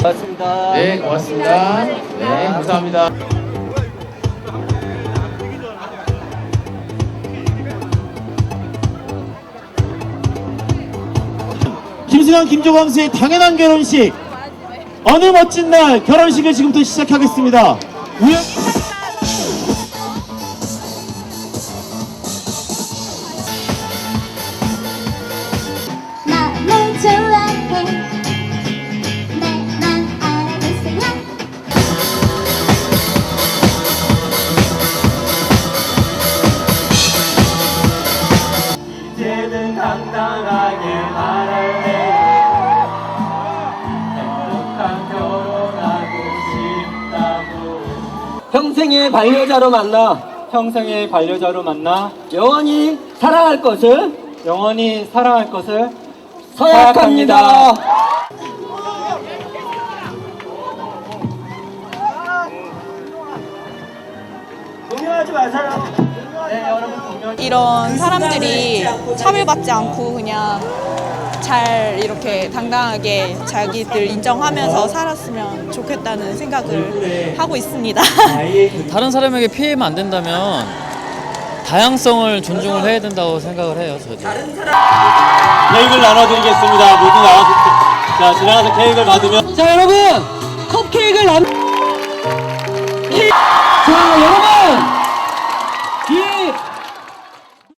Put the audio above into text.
고맙습니다. 네, 고맙습니다. 네, 감사합니다. 김수현, 김조광수의 당연한 결혼식. 어느 멋진 날 결혼식을 지금부터 시작하겠습니다. 나를 좋아해 내 맘 알아주세요. 이제는 당당하게 말할래. 행복한 결혼하고 싶다고. 평생의 반려자로 만나. 평생의 반려자로 만나. 영원히 사랑할 것을. 영원히 사랑할 것을. 서약합니다. 동요하지 마세요. 네, 여러분 동요. 이런 사람들이 차별받지 않고 그냥 잘 이렇게 당당하게 자기들 인정하면서 살았으면 좋겠다는 생각을 하고 있습니다. 다른 사람에게 피해면 안 된다면 다양성을 존중을 해야 된다고 생각을 해요. 저도. 케이크를 나눠드리겠습니다. 모두 나와주세요. 자, 지나가서 케이크를 받으면. 자, 여러분! 컵케이크를 자, 여러분!